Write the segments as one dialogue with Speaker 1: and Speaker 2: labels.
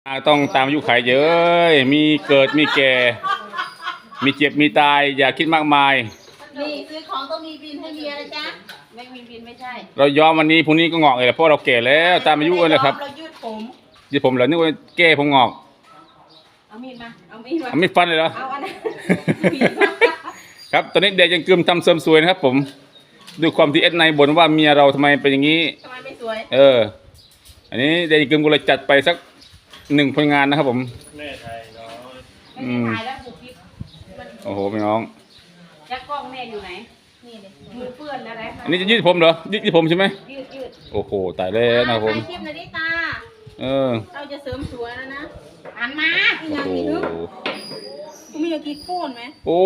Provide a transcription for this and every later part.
Speaker 1: ต้องตามอายุขัยเยอะมีเกิดมีแก่มีเจ็บมีตายอย่าคิดมากมาย
Speaker 2: นี่ซื้อของต้องมีบินให้เมียนะจ๊ะไม่มีบินไม่ใช่
Speaker 1: เรายอมวันนี้พรุ่งนี้ก็งอกเลยเพราะเราแก่แล้วตามอายุเลยครับ
Speaker 2: เรายืดผม
Speaker 1: เหรอนึกว่าแก้ผมงอก
Speaker 2: เอามีดมาเอา
Speaker 1: มีดฟันเลยเหรอ
Speaker 2: เอาอันนั้น
Speaker 1: ครับตอนนี้เด็กยังกึมทำเสริมสวยนะครับผมด้วยความที่เอสในบ่นว่าเมียเราทำไมเป็นอย่างนี้
Speaker 2: ทำไมไม่สวย
Speaker 1: อันนี้เด็กยังกึมก็เลยจัดไปสัก1 ผลงานนะครับผม
Speaker 3: แม่ไทยเนาะ
Speaker 2: ไม่ได้ถ่ายแล้วบุกคลิป
Speaker 1: โอ้โหพี่น้อง
Speaker 2: ยักษ์กล้องแม่อยู่ไหนนี่เลยมือเปื้อนแล้วนะ
Speaker 1: อันนี้จะยืดผมเหรอยืดผมใช่ไหม
Speaker 2: ยืด
Speaker 1: โอ้โหตายแล้วนะครับผม
Speaker 2: ถ่ายคลิปนาฬิตาเราจะเสริมสวยแล้วนะอ่านมาอีกอย่างนี้นึกมีอะไรกินโค่นไหม
Speaker 1: โอ้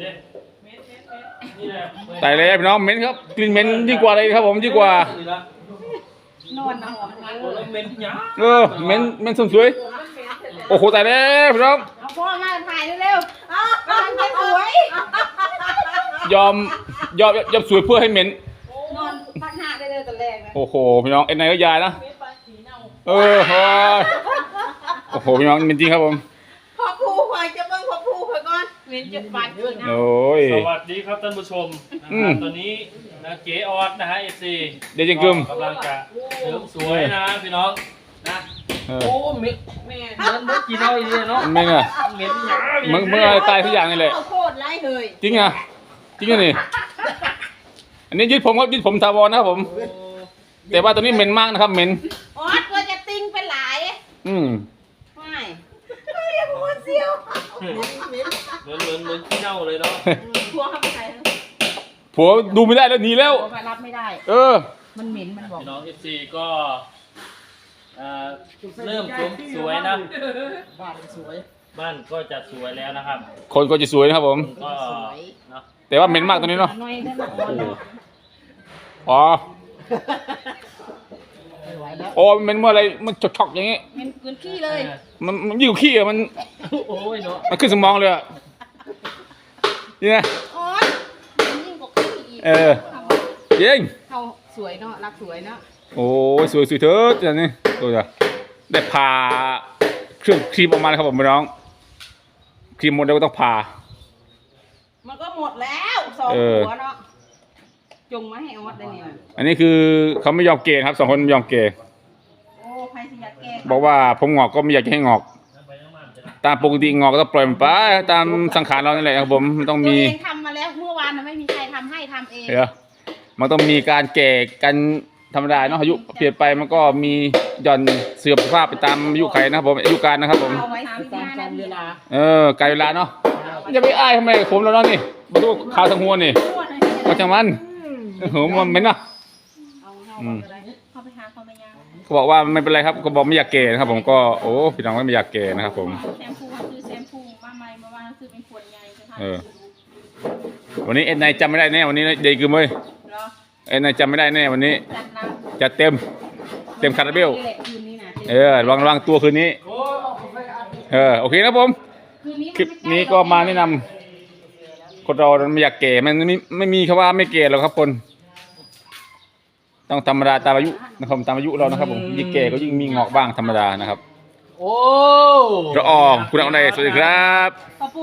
Speaker 1: ตายแล้วพี่น้องเหม็นครับกลิ่นเหม็นยิ่งกว่าอะไรครับผมยิ่งกว่าน
Speaker 2: อนหอม
Speaker 3: เหม็นหยา
Speaker 1: เหม็นสวยโอ้โหตายแล้วพี่น้อง
Speaker 2: เอาพ่อมาถ่ายเร็วๆกำลังจะสวย
Speaker 1: ยอมสวยเพื่อให้เหม็น
Speaker 2: นอนพักหน้าได้เลยตอนแรกนะ
Speaker 1: โอ้โหพี่น้องเอ็นไนก็ยายนะโอ้โหพี่น้องเหม็นจริงครับผม
Speaker 2: พ่อผู้คอยจะเบิ่งพ่อผู้คอยก่อนเหม็นจุดบาดขีดนะ
Speaker 1: โอ้ย
Speaker 3: สวัสดีครับท่านผู้ชมตอนนี้นะเก๋ออดนะฮะFC
Speaker 1: เดี๋ยวจะกึม
Speaker 3: กำลังจะเสริมสวยนะพี่น้องนะโอ้เหม็นแม่เหมือนกินเอาอีกเนาะ
Speaker 1: เหม็นอ่ะ
Speaker 3: เหม็นหยา
Speaker 1: มึงอะไรตายทุกอย่างนี่แหละ
Speaker 2: โคตรไร้เลย
Speaker 1: จริงอ่ะนี่อันนี้ยืดผมครับยืดผมทาวรนะครับผมแต่ว่าตัวนี้เหม็นมากนะครับเหม็น
Speaker 2: ออดก็จะติ้งเป็นหลายไม่ยังหัวเสียว
Speaker 3: เหมือนขี้เน่าเลยเนาะ
Speaker 2: ผัวเข้าไปใส่
Speaker 1: ผัวดูไม่ได้แล้วหนีแล้ว
Speaker 2: ผัวรับไม่ได้มันเหม็นมันบอก
Speaker 3: พี่น้อง FC ก็เริ่มสวยนะ
Speaker 2: บ้านสวย
Speaker 3: บ้านก็จะสวยแล้วนะครับ
Speaker 1: คนก็จะสวยนะครับผม
Speaker 3: ก็เนาะ
Speaker 1: แต่ว่าเหม็นมากตัวนี้เนาะอ๋อโอ้เหม็นเมื่อไรมันช็อกอย่างงี้
Speaker 2: เหม็นกืนขี้เลย
Speaker 1: มันยิ่งขี้อ่ะมัน
Speaker 3: โอ้ยเนาะ
Speaker 1: มันขึ้นสมองเลยอ่ะนี่นะ
Speaker 2: อ๋อยิ่งกว่าขี้อีก
Speaker 1: ยิง
Speaker 2: เขาสวยเนาะรักสวยเนาะ
Speaker 1: โอ้ยสวยเถิดอย่างนี้ตัวจ้ะได้ผ่าเครื่องครีมออกมาเลยครับผมพี่น้องครีมหมดแล้วก็ต้องผ่า
Speaker 2: มันก็หมดแล้ว2 หัวเนาะจงมาให้ออดได้เนี่ย
Speaker 1: อันนี้คือเขาไม่ยอมเกย์ครับ2 คนไม่ยอมเกย์
Speaker 2: โอ้ใครสิอยากเกย์
Speaker 1: บอกว่าผมงอกก็ไม่อยากจะให้งอกตามปกติงอกก็ต้องปล่อยมันไปตามสังขารเรานี่แหละครับผมมันต้องมี
Speaker 2: ตัวเองทำมาแล้วเมื่อวานไม่มีใครทำให้ทำเอง
Speaker 1: มันต้องมีการแก่กันธรรมดาเนาะอายุเปลี่ยนไปมันก็มีหย่อนเสื่อมสภาพไปตามอายุไขนะครับผมอายุการนะครับผม
Speaker 2: เอาไว้ตามเวลา
Speaker 1: การเวลาเนาะจะไปอ้ายทำไมผมแล้วเนาะนี่มาดูข่าวทางหัวนี่ก็จังมันมันเป็นเนาะ
Speaker 2: เขาไปหาเขาไม่ยาก
Speaker 1: เขาบอกว่าไม่เป็นไรครับก็บอกไม่อยากเกย์นะครับผมก็โอ้พี่น้องไม่อยากเกย์นะครับผม
Speaker 2: แชมพูซื้อแชมพูมาใหม่มาว่าซื้อเป็นขวดใหญ่จะท
Speaker 1: ำวันนี้เอ็นไนจำไม่ได้แน่วันนี้เด็กคือมั้ยเอ็นไนจำไม่ได้แน่วันนี้จะเต็มคาราเบลระวังตัวคืนนี้โอเคนะผมคลิปนี้ก็มาแนะนำคนเราไม่อยากเก๋มันไม่มีคำว่าไม่เก๋หรอกครับคนต้องธรรมดาตามอายุนะครับตามอายุเรานะครับผมยิ่งเก๋ก็ยิ่งมีงอกบ้างธรรมดานะครับ
Speaker 3: โอ้
Speaker 1: ละอองคุณเอาไหนสวัสดีครับ